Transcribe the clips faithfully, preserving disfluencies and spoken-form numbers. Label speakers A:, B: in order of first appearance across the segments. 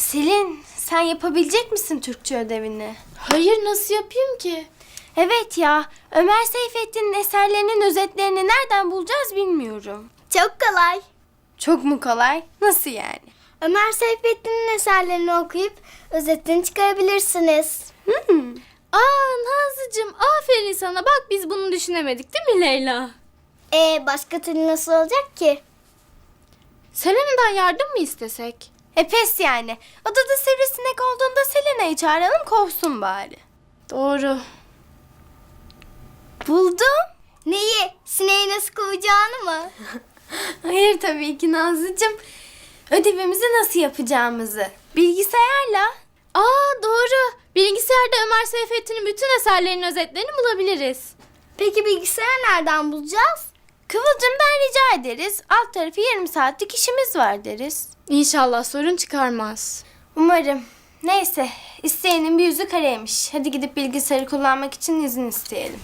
A: Selin, sen yapabilecek misin Türkçe ödevini?
B: Hayır, nasıl yapayım ki?
A: Evet ya, Ömer Seyfettin'in eserlerinin özetlerini nereden bulacağız bilmiyorum.
C: Çok kolay.
A: Çok mu kolay? Nasıl yani?
C: Ömer Seyfettin'in eserlerini okuyup özetini çıkarabilirsiniz.
A: Hmm.
B: Aa Nazlıcığım, aferin sana. Bak biz bunu düşünemedik değil mi Leyla?
C: Ee, başka türlü nasıl olacak ki?
B: Selena'dan yardım mı istesek?
A: E pes yani. Odada sivrisinek olduğunda Selena'yı çağıralım, kovsun bari.
B: Doğru.
A: Buldum.
C: Neyi? Sineği nasıl kovacağını mı?
A: Hayır tabii ki Nazlıcığım. Ödevimizi nasıl yapacağımızı. Bilgisayarla.
B: Aa doğru. Bilgisayarda Ömer Seyfettin'in bütün eserlerinin özetlerini bulabiliriz.
C: Peki bilgisayarı nereden bulacağız?
A: Kıvılcım'dan rica ederiz. Alt tarafı yarım saatlik işimiz var deriz.
B: İnşallah sorun çıkarmaz.
A: Umarım. Neyse, isteyenin bir yüzü kareymiş. Hadi gidip bilgisayarı kullanmak için izin isteyelim.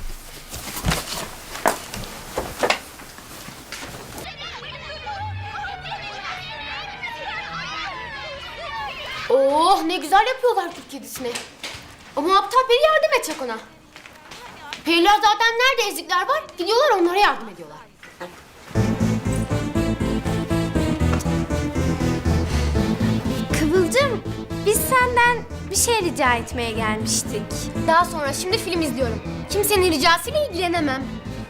D: Oh ne güzel yapıyorlar Türk kedisini. Ama aptal peri yardım edecek ona. Periler zaten nerede ezikler var gidiyorlar onlara yardım ediyorlar.
A: Kıvılcım, biz senden bir şey rica etmeye gelmiştik.
D: Daha sonra şimdi film izliyorum. Kimsenin ricasıyla ilgilenemem.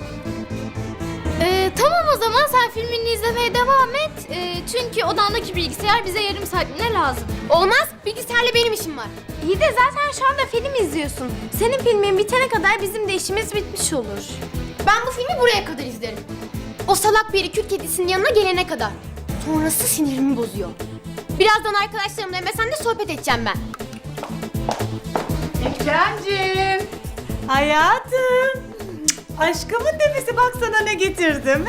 B: Ee, tamam o zaman sen filmini izlemeye devam et. Ee, çünkü odandaki bilgisayar bize yarım saatliğine lazım.
D: Olmaz bilgisayarla benim işim var.
A: İyi de zaten şu anda film izliyorsun. Senin filmin bitene kadar bizim de işimiz bitmiş olur.
D: Ben bu filmi buraya kadar izlerim. O salak peri Türk kedisinin yanına gelene kadar. Sonrası sinirimi bozuyor. Birazdan arkadaşlarımla Mesen'de sohbet edeceğim ben.
E: Ekremciğim. Hayatım. Aşkımın nefesi, bak sana ne getirdim.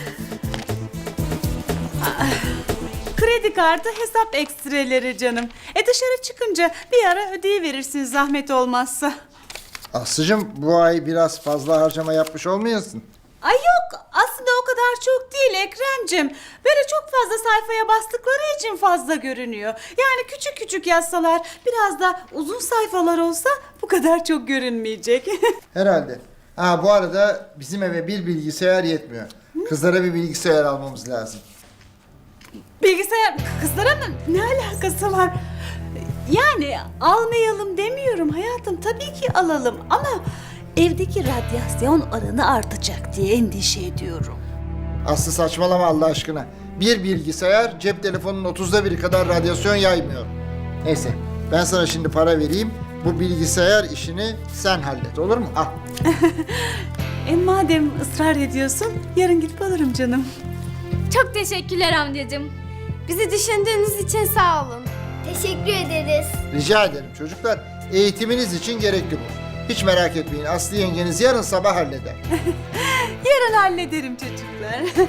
E: Kredi kartı, hesap ekstreleri canım. E dışarı çıkınca bir ara ödeyiverirsin zahmet olmazsa.
F: Aslıcığım bu ay biraz fazla harcama yapmış olmayasın?
E: Ay yok, aslında o kadar çok değil Ekremciğim. Böyle çok fazla sayfaya bastıkları için fazla görünüyor. Yani küçük küçük yazsalar, biraz da uzun sayfalar olsa bu kadar çok görünmeyecek.
F: Herhalde. Ha bu arada bizim eve bir bilgisayar yetmiyor. Kızlara bir bilgisayar almamız lazım.
E: Bilgisayar kızlara mı? Ne alakası var? Yani almayalım demiyorum hayatım. Tabii ki alalım ama evdeki radyasyon oranı artacak diye endişe ediyorum.
F: Aslı saçmalama Allah aşkına. Bir bilgisayar cep telefonunun otuzda biri kadar radyasyon yaymıyor. Neyse ben sana şimdi para vereyim. Bu bilgisayar işini sen hallet, olur mu? Al.
E: E madem ısrar ediyorsun yarın gidip alırım canım.
B: Çok teşekkürler amcacığım.
A: Bizi düşündüğünüz için sağ olun.
C: Teşekkür ederiz.
F: Rica ederim çocuklar. Eğitiminiz için gerekli bu. Hiç merak etmeyin. Aslı yengeniz yarın sabah halleder.
E: Yarın hallederim çocuklar.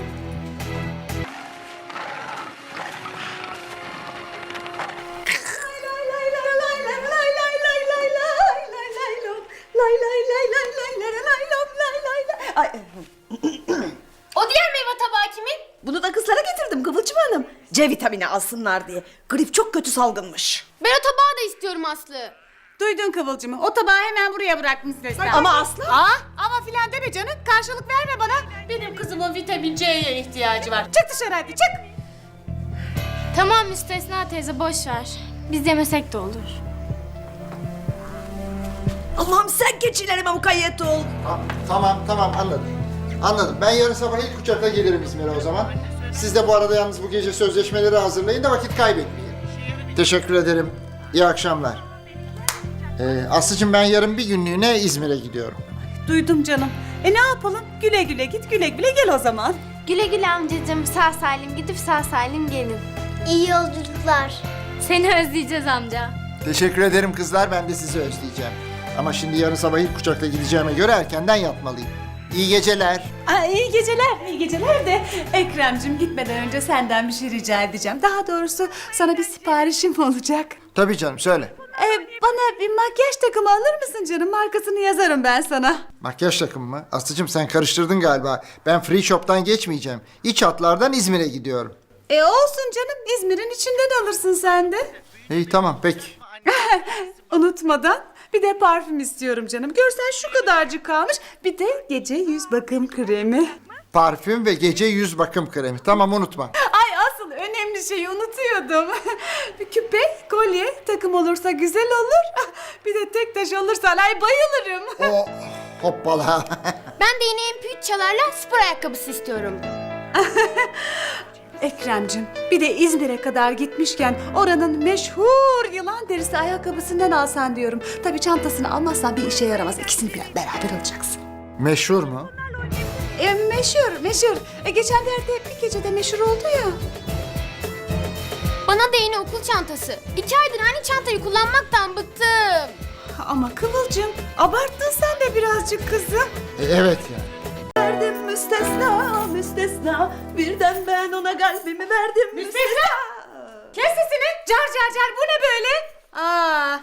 D: O diğer meyve tabağı kimin?
G: Bunu da kızlara getirdim Kıvılcım Hanım. C vitamini alsınlar diye. Grip çok kötü salgınmış.
D: Ben o tabağı da istiyorum Aslı.
E: Duydun Kıvılcım'ı. O tabağı hemen buraya bırakmışsın Esra.
G: Ama Aslı...
E: Aa, ama filan deme canım. Karşılık verme bana.
H: Benim kızımın vitamin C'ye ihtiyacı var.
E: Çık dışarı hadi çık.
B: Tamam Müstesna teyze boş ver. Biz yemesek de olur.
G: Allah'ım sen keçilerime mukayyet ol.
F: Ha, tamam tamam anladım. Anladım. Ben yarın sabah ilk uçakla gelirim İzmir'e o zaman. Siz de bu arada yalnız bu gece sözleşmeleri hazırlayın da vakit kaybetmeyin. Teşekkür ederim. İyi akşamlar. Ee, Aslıcığım ben yarın bir günlüğüne İzmir'e gidiyorum.
E: Duydum canım. E ne yapalım? Güle güle git, güle güle gel o zaman.
A: Güle güle amcacığım, sağ salim gidip sağ salim gelin.
C: İyi yolculuklar.
B: Seni özleyeceğiz amca.
F: Teşekkür ederim kızlar. Ben de sizi özleyeceğim. Ama şimdi yarın sabah ilk uçakla gideceğime göre erkenden yatmalıyım. İyi geceler.
E: Aa, iyi geceler, iyi geceler de Ekrem'cim gitmeden önce senden bir şey rica edeceğim. Daha doğrusu sana bir siparişim olacak.
F: Tabii canım söyle.
E: Ee, bana bir makyaj takımı alır mısın canım? Markasını yazarım ben sana.
F: Makyaj takımı mı? Aslıcığım sen karıştırdın galiba. Ben free shop'tan geçmeyeceğim. İç hatlardan İzmir'e gidiyorum.
E: E olsun canım, İzmir'in içinden alırsın sen de.
F: İyi tamam peki.
E: Unutmadan bir de parfüm istiyorum canım. Görsen şu kadarcık kalmış. Bir de gece yüz bakım kremi.
F: Parfüm ve gece yüz bakım kremi. Tamam unutma.
E: Ay asıl önemli şeyi unutuyordum. Bir küpe, kolye, takım olursa güzel olur. Bir de tek taş olursa ay bayılırım.
F: O hoppala.
D: Ben de yine M P üç çalarla spor ayakkabısı istiyorum.
E: Ekrem'cim bir de İzmir'e kadar gitmişken oranın meşhur yılan derisi ayakkabısından alsan diyorum. Tabii çantasını almazsan bir işe yaramaz. İkisini bir beraber alacaksın.
F: Meşhur mu?
E: E, meşhur, meşhur. E, geçenlerde bir gecede meşhur oldu ya.
D: Bana da yeni okul çantası. İki aydır aynı çantayı kullanmaktan bıktım.
E: Ama Kıvılcım abarttın sen de birazcık kızım.
F: E, evet yani.
G: Verdim müstesna, müstesna. Birden ben ona kalbimi verdim müstesna.
E: Kes sesini. Car car car bu ne böyle? Aa.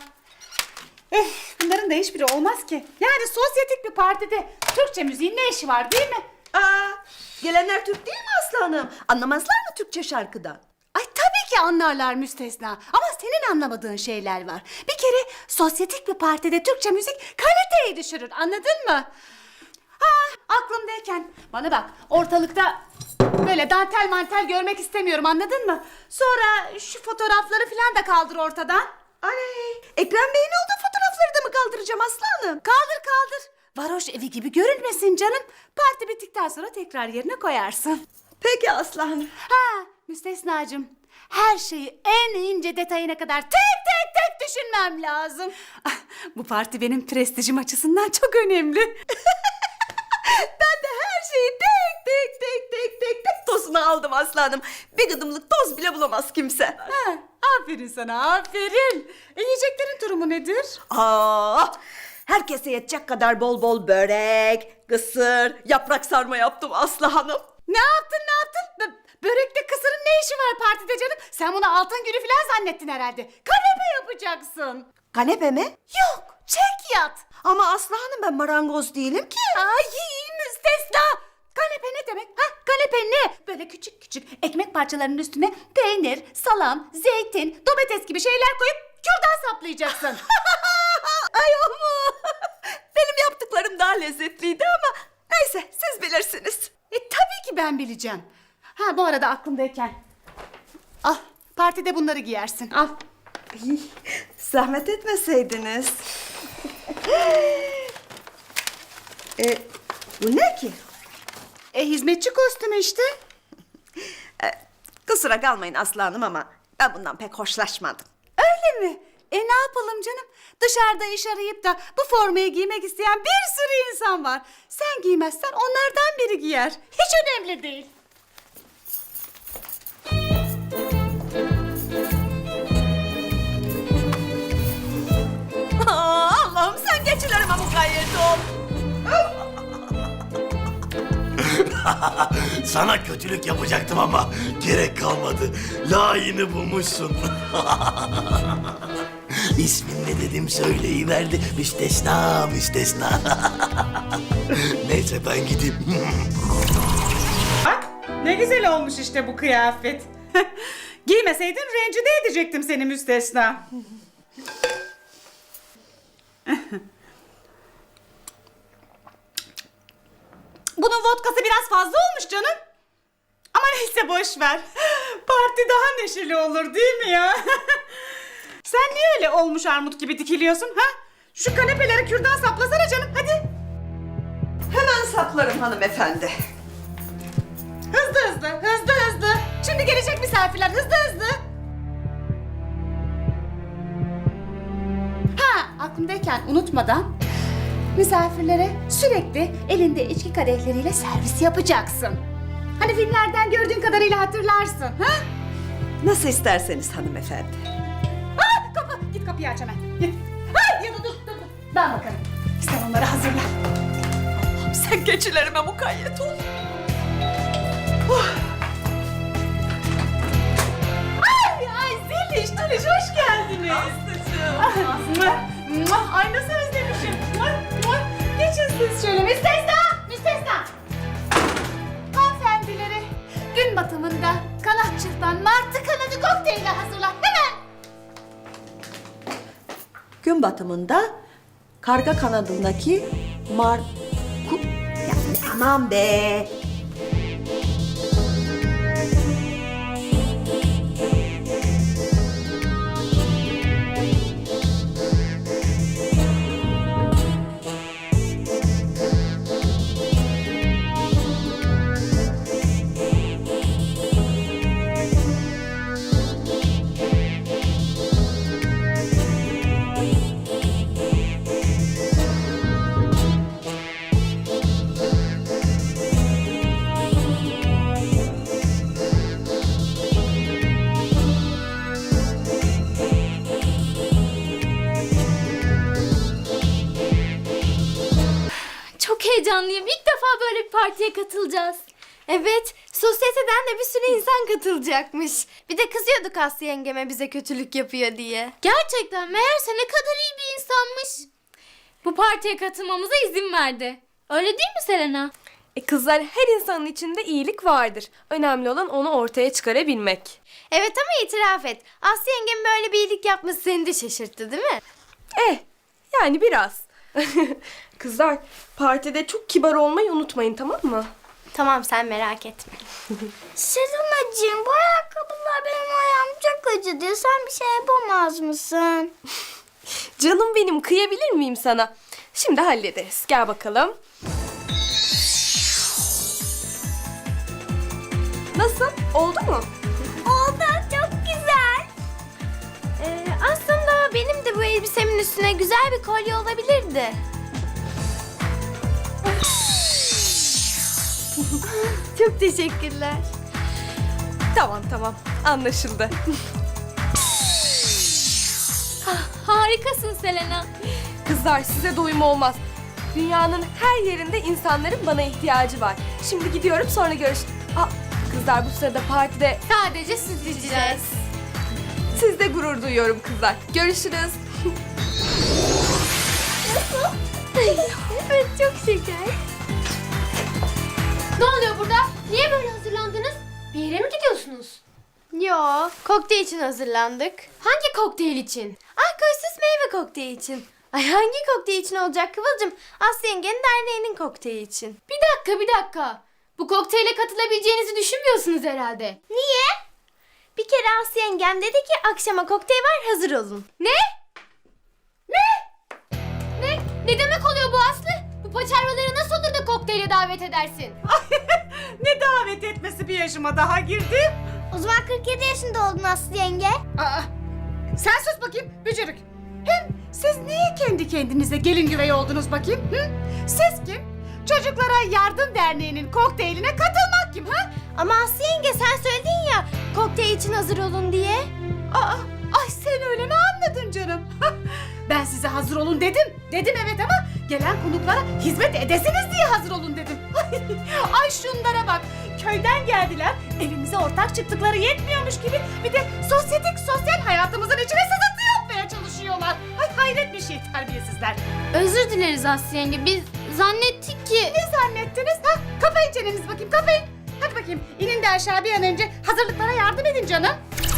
E: Öf, bunların da hiçbiri olmaz ki. Yani sosyetik bir partide Türkçe müziğin ne işi var değil mi?
G: Aa, gelenler Türk değil mi Aslı Hanım? Anlamazlar mı Türkçe şarkıdan?
E: Ay tabii ki anlarlar müstesna. Ama senin anlamadığın şeyler var. Bir kere sosyetik bir partide Türkçe müzik kaliteyi düşürür. Anladın mı? Ha, aklımdayken bana bak ortalıkta böyle dantel mantel görmek istemiyorum, anladın mı? Sonra şu fotoğrafları falan da kaldır ortadan.
G: Ay, Ekrem Bey'in olduğu fotoğrafları da mı kaldıracağım Aslı Hanım?
E: Kaldır kaldır. Varoş evi gibi görünmesin canım. Parti bittikten sonra tekrar yerine koyarsın.
G: Peki Aslı Hanım.
E: Ha müstesnacığım, her şeyi en ince detayına kadar tek tek tek düşünmem lazım. Ah, bu parti benim prestijim açısından çok önemli.
G: Ben de her şeyi tek tek tek tek tek tek tozunu aldım Aslı Hanım. Bir gıdımlık toz bile bulamaz kimse.
E: Ha, aferin sana, aferin. E, yiyeceklerin durumu nedir?
G: Aa, herkese yetecek kadar bol bol börek, kısır, yaprak sarma yaptım Aslı Hanım.
E: Ne yaptın ne yaptın? Bö- Börekte kısırın ne işi var partide canım? Sen bunu altın günü falan zannettin herhalde. Kanepe yapacaksın.
G: Kanepe mi?
E: Yok, çek yat.
G: Ama Aslı Hanım ben marangoz değilim ki.
E: Ay müstesna. Kanepe ne demek? Ha, kanepe ne? Böyle küçük küçük ekmek parçalarının üstüne peynir, salam, zeytin, domates gibi şeyler koyup kürdan saplayacaksın.
G: Ay ama benim yaptıklarım daha lezzetliydi ama neyse siz bilirsiniz.
E: E tabii ki ben bileceğim. Ha bu arada aklımdayken. Al, partide bunları giyersin. Al.
G: Ay, zahmet etmeseydiniz. e, bu ne ki?
E: E hizmetçi kostümü işte.
G: E, kusura kalmayın Aslı Hanım ama ben bundan pek hoşlaşmadım.
E: Öyle mi? E ne yapalım canım? Dışarıda iş arayıp da bu formayı giymek isteyen bir sürü insan var. Sen giymezsen onlardan biri giyer. Hiç önemli değil.
G: Aa, Allah'ım sen geçilerime mukayyet ol.
I: Sana kötülük yapacaktım ama gerek kalmadı. Layığını bulmuşsun. İsmin ne dedim söyleyiverdi. Müstesna, müstesna. Neyse ben gideyim.
E: Bak ne güzel olmuş işte bu kıyafet. Giymeseydin rencide edecektim seni müstesna. Bunun vodkası biraz fazla olmuş canım. Ama neyse boş ver. Parti daha neşeli olur değil mi ya? Sen niye öyle olmuş armut gibi dikiliyorsun ha? Şu kanepeleri kürdan saplasana canım hadi.
G: Hemen saplarım hanımefendi.
E: Hızlı hızlı, hızlı hızlı. Şimdi gelecek misafirler, hızlı hızlı. Ha, aklımdayken unutmadan misafirlere sürekli elinde içki kadehleriyle servis yapacaksın. Hani filmlerden gördüğün kadarıyla hatırlarsın, ha?
G: Nasıl isterseniz hanımefendi.
E: Ha, kapı, git kapıyı aç hemen. Git. Ha, ya da dur, dur, dur. Ben bakarım. Sen onları hazırla.
G: Allah'ım sen geçilerime mukayyet ol.
E: Ay, ay Zeliş, Taliş hoş geldiniz. Aslıcığım. Ay nasıl özlemişim. Geçin siz şöyle. Müstesna, müstesna. Hanımefendileri gün batımında kanatçıktan
G: gün batımında karga kanadındaki mar... Ku... Ya, aman be!
B: Çok heyecanlıyım. İlk defa böyle bir partiye katılacağız.
A: Evet, sosyeteden de bir sürü insan katılacakmış. Bir de kızıyorduk Aslı yengeme bize kötülük yapıyor diye.
B: Gerçekten meğerse ne kadar iyi bir insanmış. Bu partiye katılmamıza izin verdi. Öyle değil mi Selena?
J: E kızlar, her insanın içinde iyilik vardır. Önemli olan onu ortaya çıkarabilmek.
A: Evet ama itiraf et. Aslı yengem böyle bir iyilik yapması seni de şaşırttı değil mi?
J: Eh, yani biraz. Kızlar, partide çok kibar olmayı unutmayın, tamam mı?
A: Tamam, sen merak etme.
C: Selena'cığım bu ayakkabılar benim ayağım çok acıdı. Sen bir şey yapamaz mısın?
J: Canım benim, kıyabilir miyim sana? Şimdi hallederiz. Gel bakalım. Nasıl? Oldu mu?
C: Oldu, çok güzel.
A: Ee, aslında benim de bu elbisemin üstüne güzel bir kolye olabilirdi. Çok teşekkürler.
J: Tamam tamam, anlaşıldı.
B: Harikasın Selena.
J: Kızlar, size doyum olmaz. Dünyanın her yerinde insanların bana ihtiyacı var. Şimdi gidiyorum, sonra görüş. Aa, kızlar, bu sırada partide
B: Sadece süt içeceğiz.
J: sizle gurur duyuyorum kızlar. Görüşürüz.
A: Evet, çok şeker.
D: Ne oluyor burada? Niye böyle hazırlandınız? Bir yere mi gidiyorsunuz?
A: Yo, kokteyl için hazırlandık.
D: Hangi kokteyl için?
A: Alkolsüz meyve kokteyli için. Ay hangi kokteyl için olacak Kıvılcım? Aslı yengenin derneğinin kokteyli için.
D: Bir dakika bir dakika. Bu kokteyle katılabileceğinizi düşünmüyorsunuz herhalde.
A: Niye? Bir kere Aslı yengem dedi ki akşama kokteyl var, hazır olun.
D: Ne? Ne? Ne? Ne demek oluyor bu Aslı? Bu paçavraları nasıl olur da kokteyle davet edersin?
E: Ne davet etmesi, bir yaşıma daha girdim.
C: O zaman kırk yedi yaşında oldun Aslı yenge.
E: Aa, sen sus bakayım bücürük. Hem siz niye kendi kendinize gelin güvey oldunuz bakayım? Hı? Siz kim? Çocuklara Yardım Derneği'nin kokteyline katılmak kim ha?
A: Ama Aslı yenge sen söyledin ya kokteyl için hazır olun diye.
E: Aa, ay sen öyle mi anladın canım? Ben size hazır olun dedim. Dedim evet ama gelen konuklara hizmet edesiniz diye hazır olun dedim. Ay şunlara bak. Köyden geldiler. Evimize ortak çıktıkları yetmiyormuş gibi bir de sosyetik sosyal hayatımızın içine sızıntı yapmaya çalışıyorlar. Ay hayret bir şey terbiyesizler.
B: Özür dileriz Aslı yenge. Biz zannettik ki...
E: Ne zannettiniz? Ha? Kapayın çenenizi bakayım, kapayın. Hadi bakayım, inin de aşağı bir an önce hazırlıklara yardım edin canım.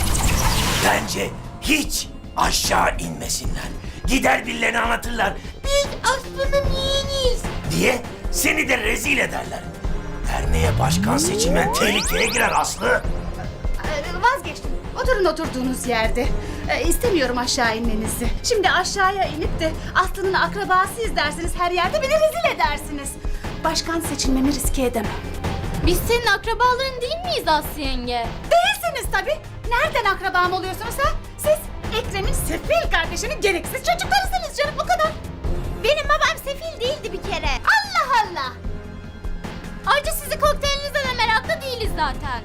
I: Bence hiç aşağı inmesinler. Gider birilerine anlatırlar. Biz Aslı'nın yeğeniyiz diye seni de rezil ederler. Derneğe başkan seçilmen tehlikeye girer Aslı.
E: Ee, Vazgeçtim. Oturun oturduğunuz yerde. Ee, istemiyorum aşağı inmenizi. Şimdi aşağıya inip de Aslı'nın akrabasıyız dersiniz, her yerde beni rezil edersiniz. Başkan seçilmemi riske edemem.
B: Biz senin akrabaların değil miyiz Aslı yenge?
E: Değilsiniz tabii. Nereden akrabam oluyorsunuz ha? Siz Ekrem'in sefil kardeşinin gereksiz çocuklarısınız canım, o kadar.
A: Benim babam sefil değildi bir kere.
E: Allah Allah.
B: Ayrıca sizi kokteylinize de meraklı değiliz zaten.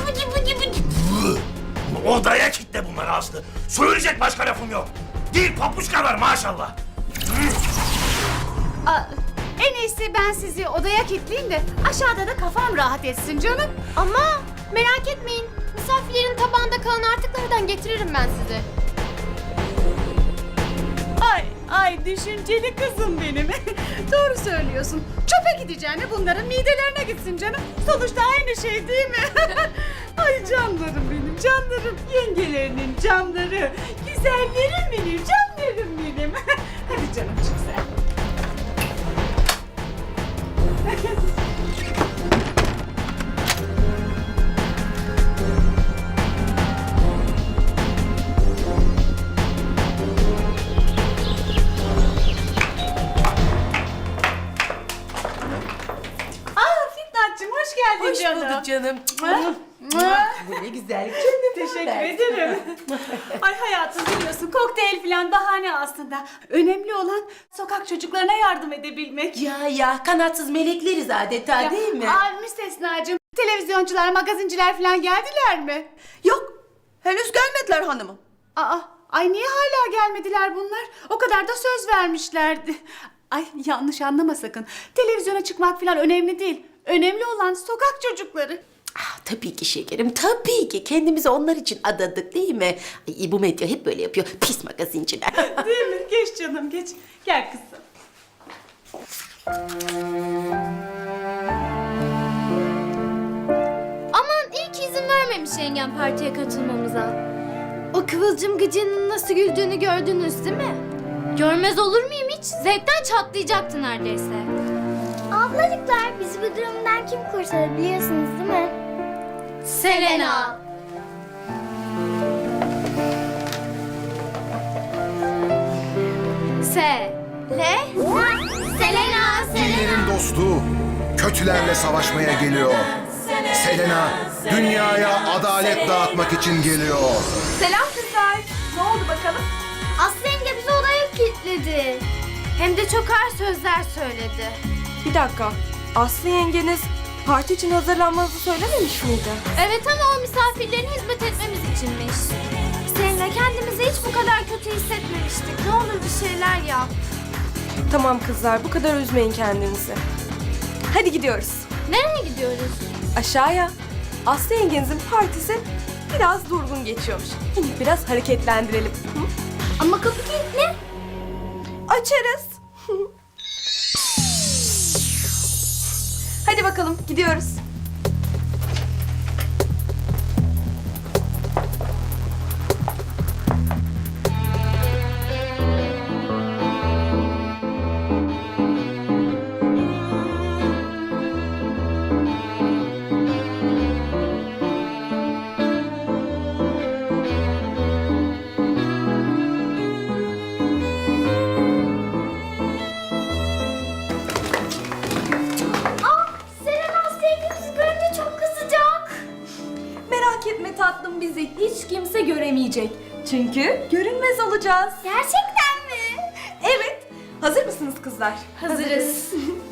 I: Odaya kitle bunları Aslı. Söyleyecek başka lafım yok. Değil papuçkalar maşallah.
E: Aa, en iyisi ben sizi odaya kilitleyeyim de aşağıda da kafam rahat etsin canım.
D: Ama merak etmeyin. Misafirlerin tabağında kalan artıklardan getiririm ben size.
E: Ay ay düşünceli kızım benim. Doğru söylüyorsun. Çöpe gideceğine bunların midelerine gitsin canım. Sonuçta aynı şey değil mi? Ay canlarım benim, canlarım. Yengelerinin canları. Güzel güzellerim benim, canlarım benim. Hadi canım çık sen. Aa Fitnatçığım hoş geldin
G: Hoş
E: canım.
G: bulduk canım. Bu ne güzel canım.
E: Teşekkür ederim. Ay hayatım biliyorsun kokteyl falan bahane aslında. Önemli olan sokak çocuklarına yardım edebilmek.
G: Ya ya kanatsız melekleriz adeta değil mi?
E: Aa müstesnacığım. Televizyoncular, magazinciler falan geldiler mi?
G: Yok. Henüz gelmediler hanımım.
E: Aa, ay niye hala gelmediler bunlar? O kadar da söz vermişlerdi. Ay yanlış anlama sakın. Televizyona çıkmak falan önemli değil. Önemli olan sokak çocukları.
G: Ah, tabii ki şekerim, tabii ki. Kendimizi onlar için adadık değil mi? Ay, bu medya hep böyle yapıyor. Pis magazinciler.
E: Değil mi? Geç canım geç. Gel kızım.
B: Aman iyi ki izin vermemiş yengem partiye katılmamıza.
A: O Kıvılcım gıcığının nasıl güldüğünü gördünüz değil mi?
B: Görmez olur muyum hiç? Zevkten çatlayacaktı neredeyse.
C: Ablacıklar bizi bu durumdan kim kurtarır biliyorsunuz değil mi?
B: Selena.
A: Se. Le.
C: Selena,
K: İyilerin dostu, kötülerle savaşmaya geliyor. Selena, dünyaya adalet dağıtmak için geliyor.
J: Selam kızlar. Ne oldu bakalım?
A: Aslı yenge bizi odaya kilitledi. Hem de çok ağır sözler söyledi.
J: Bir dakika. Aslı yengeniz parti için hazırlanmanızı söylememiş miydi?
B: Evet ama o misafirlerin hizmet etmemiz içinmiş.
A: Seninle kendimizi hiç bu kadar kötü hissetmemiştik. Ne olur bir şeyler yap.
J: Tamam kızlar bu kadar üzmeyin kendinizi. Hadi gidiyoruz.
B: Nereye gidiyoruz?
J: Aşağıya. Aslı yengenizin partisi biraz durgun geçiyormuş. Şimdi biraz hareketlendirelim. Hı?
C: Ama kapı kilitli.
J: Açarız. Hadi bakalım gidiyoruz.
C: Selena Aslı yengemizi görünce çok kızacak.
J: Merak etme tatlım bizi hiç kimse göremeyecek. Çünkü görünmez olacağız.
C: Gerçekten mi?
J: Evet. Hazır mısınız kızlar?
B: Hazırız.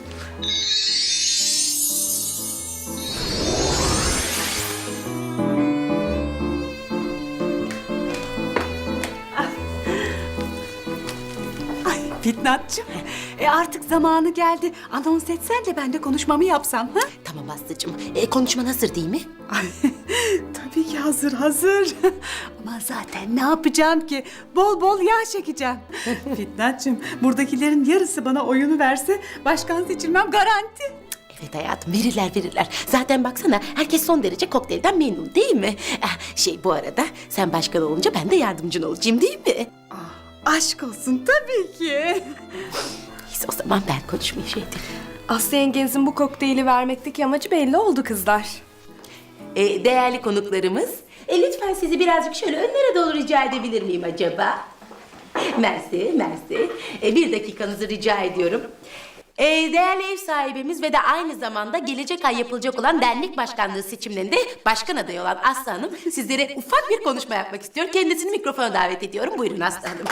E: Ay Fitnatçığım. E artık zamanı geldi. Anons etsen de ben de konuşmamı yapsam. Ha?
G: Tamam Aslı'cığım. E, konuşman hazır değil mi?
E: Ay, tabii ki hazır hazır. Ama zaten ne yapacağım ki? Bol bol yağ çekeceğim. Fitnatçığım buradakilerin yarısı bana oyunu verse başkan seçilmem garanti.
G: Evet hayatım, verirler verirler. Zaten baksana herkes son derece kokteylden memnun değil mi? Ah, şey bu arada sen başkan olunca ben de yardımcın olacağım değil mi?
E: Aşk olsun tabii ki.
G: Neyse o zaman ben konuşmayı şey edeyim.
J: Aslı yengenizin bu kokteyli vermekteki amacı belli oldu kızlar.
G: E, değerli konuklarımız, e, lütfen sizi birazcık şöyle önlere doğru rica edebilir miyim acaba? Mersi, mersi. E, bir dakikanızı rica ediyorum. E, değerli ev sahibimiz ve de aynı zamanda gelecek ay yapılacak olan dernek başkanlığı seçimlerinde başkan adayı olan Aslı Hanım sizlere ufak bir konuşma yapmak istiyor. Kendisini mikrofona davet ediyorum. Buyurun Aslı Hanım.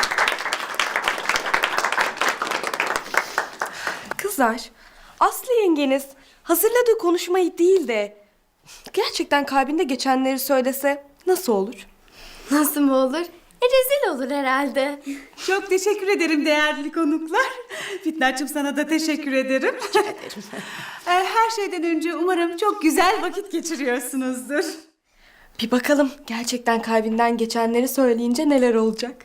J: Kızlar, Aslı yengeniz hazırladığı konuşmayı değil de gerçekten kalbinde geçenleri söylese nasıl olur?
A: Nasıl mı olur? E rezil olur herhalde.
E: Çok teşekkür ederim değerli konuklar. Fitnatçığım sana da teşekkür ederim. Ee, Her şeyden önce umarım çok güzel vakit geçiriyorsunuzdur.
J: Bir bakalım gerçekten kalbinden geçenleri söyleyince neler olacak?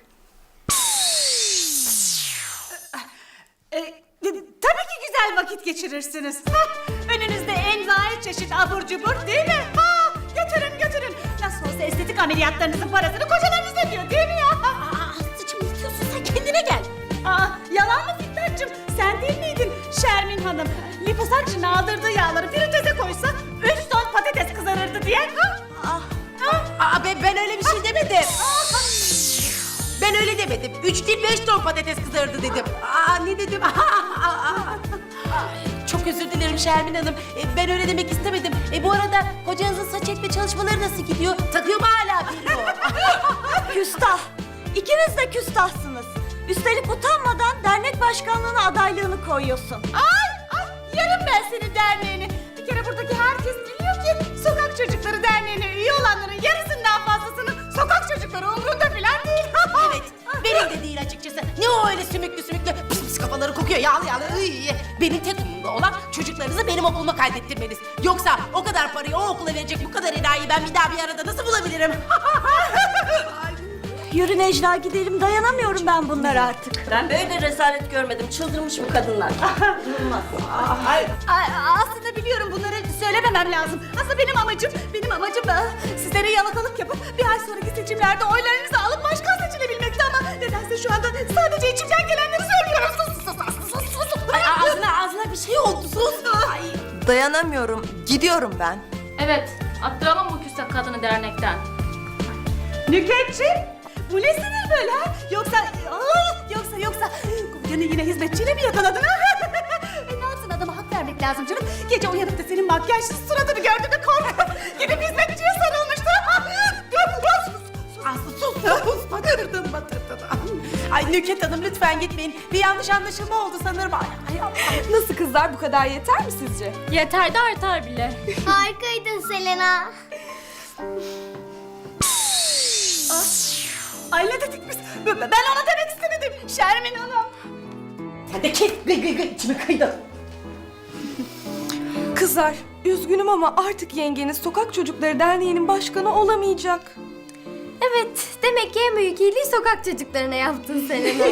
E: Ee, tabii ki güzel vakit geçirirsiniz. Hah, önünüzde envai çeşit abur cubur değil mi? Ha, götürün götürün. Nasıl olsa estetik ameliyatlarınızın parasını kocalarınız ödüyor değil mi ya? Aa, yalan mı Fitnat'cığım? Sen değil miydin Şermin Hanım? Liposakçının aldırdığı yağları fritöze koysa üç ton patates kızarırdı diye. Ha? Ah.
G: Aa, ben, ben öyle bir şey demedim. Ben öyle demedim. Üç değil beş ton patates kızardı dedim. Aa, ne dedim? Ay, çok özür dilerim Şermin Hanım. E, ben öyle demek istemedim. E, bu arada kocanızın saç ekme çalışmaları nasıl gidiyor? Takıyor mu hala bir
C: Küstah. İkiniz de küstahsınız. Üstelik utanmadan dernek başkanlığına adaylığını koyuyorsun.
E: Ay, ay, yarım ben senin derneğini. Bir kere buradaki herkes biliyor ki Sokak Çocukları Derneği'ne üye olanların yarısından fazlasının sokak çocukları umrunda falan değil.
G: Evet, benim de değil açıkçası. Ne o öyle sümüklü sümüklü pis pis kafaları kokuyor yağlı yağlı. Iy. Benim tek umurumda olan çocuklarınızı benim okuluma kaydettirmeniz. Yoksa o kadar parayı o okula verecek bu kadar enayi ben bir daha bir arada nasıl bulabilirim?
C: Yürü Necla gidelim, dayanamıyorum ben bunlara artık. Ben böyle rezalet görmedim, çıldırmış bu kadınlar.
E: Ay, ay, aslında biliyorum bunları söylememem lazım. Aslında benim amacım, benim amacım da sizlere yalakalık yapıp bir ay sonraki seçimlerde oylarınızı alıp başkan seçilebilmekti ama nedense şu anda sadece içimden gelenleri söylüyorum. Sus sus sus sus sus sus.
G: Ay, ağzına ağzına bir şey oldu sus. Ay.
J: Dayanamıyorum. Gidiyorum ben.
B: Evet, attıralım bu küstah kadını dernekten.
E: Nükhetciğim, bu ne sinir böyle ha? Yoksa, aa, yoksa yoksa kocanı yine hizmetçiyle mi yakaladın ha? e, ne yapsın adama hak vermek lazım canım. Gece uyanıp da senin makyajsız suratını gördü de korkup gidip hizmetçiye sarılmıştı.
G: Aslı sus sus batırdın batırdın. Ay Nükhet Hanım lütfen gitmeyin. Bir yanlış anlaşılma oldu sanırım. Ay, ay, ay.
J: Nasıl kızlar, bu kadar yeter mi sizce?
B: Yeter de artar bile.
C: Harikaydın Selena.
E: Ay ne dedik biz? Ben ona demek istemedim Şermin Hanım.
G: Sen de kes gıy gıy gıy içimi kıydın.
J: Kızlar, üzgünüm ama artık yengeniz Sokak Çocukları Derneği'nin başkanı olamayacak.
A: Evet, demek ki en büyük iyiliği sokak çocuklarına yaptın Selena.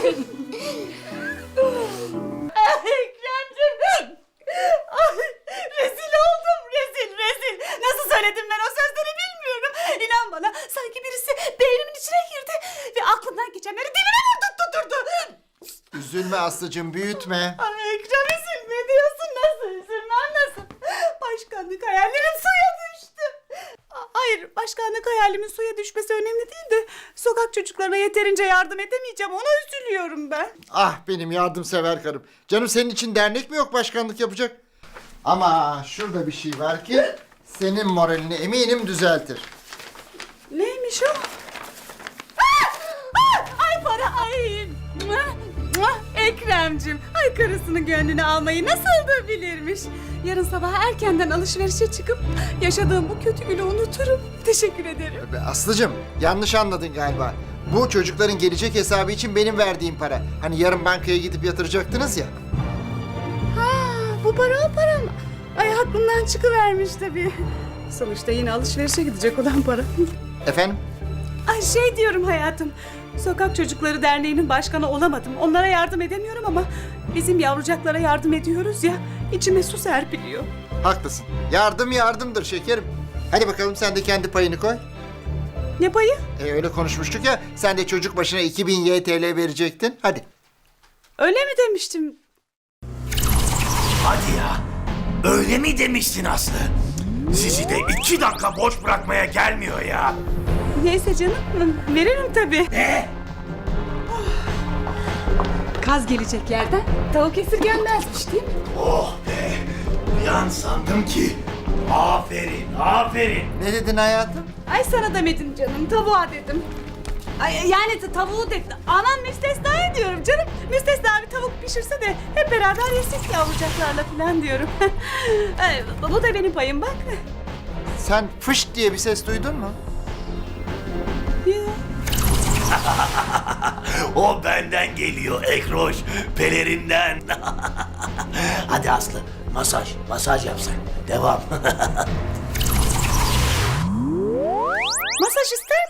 E: Ekremciğim. Ay, rezil oldum, rezil, rezil. Nasıl söyledim ben o sözleri bilmiyorum. İnan bana, sanki birisi beynimin içine girdi ve aklımdan geçenleri dilime vurdurtturdu.
F: Üzülme Aslı'cığım, büyütme.
E: Ay Ekrem, üzülme diyorsun, nasıl üzülmem nasıl? Başkanlık hayallerim suya düştü. A- Hayır, başkanlık hayalimin suya düşmesi önemli değil de sokak çocuklarına yeterince yardım edemeyeceğim, ona üzülüyorum ben.
F: Ah benim yardımsever karım. Canım senin için dernek mi yok başkanlık yapacak? Ama şurada bir şey var ki senin moralini eminim düzeltir.
E: Neymiş o? Ah! Ah! Ay para, ay! Mua! Mua! Ekrem'cim, ay karısının gönlünü almayı nasıl da bilirmiş. Yarın sabah erkenden alışverişe çıkıp yaşadığım bu kötü günü unuturum. Teşekkür ederim.
F: Be Aslı'cığım yanlış anladın galiba. Bu çocukların gelecek hesabı için benim verdiğim para. Hani yarın bankaya gidip yatıracaktınız ya.
E: Ha, bu para o para mı? Ay aklımdan çıkıvermiş tabii. Sonuçta yine alışverişe gidecek olan para.
F: Efendim?
E: Ay şey diyorum hayatım. Sokak Çocukları Derneği'nin başkanı olamadım. Onlara yardım edemiyorum ama bizim yavrucaklara yardım ediyoruz ya. İçime su serpiliyor.
F: Haklısın. Yardım yardımdır şekerim. Hadi bakalım sen de kendi payını koy.
E: Ne payı?
F: E, öyle konuşmuştuk ya. Sen de çocuk başına iki bin Y T L verecektin. Hadi.
E: Öyle mi demiştim?
I: Hadi ya. Öyle mi demiştin Aslı? Sizi de iki dakika boş bırakmaya gelmiyor ya.
E: Neyse canım, veririm tabii.
I: Ne?
E: Kaz gelecek yerden tavuk esirgenmezmiş değil mi?
I: Oh be. Uyan sandım ki. Aferin, aferin.
F: Ne dedin hayatım?
E: Ay sana demedim canım, tavuğa dedim. Ay yani t- tavuğu dedim. Aman müstesna ediyorum canım. Müstesna bir tavuk pişirse de hep beraber yesek yavrucaklarla falan diyorum. Ay, bu da benim payım bak.
F: Sen fış diye bir ses duydun mu?
E: Ya.
I: O benden geliyor Ekroş. Pelerinden. Hadi Aslı. Masaj, masaj yapsak. Devam.
E: Masaj ister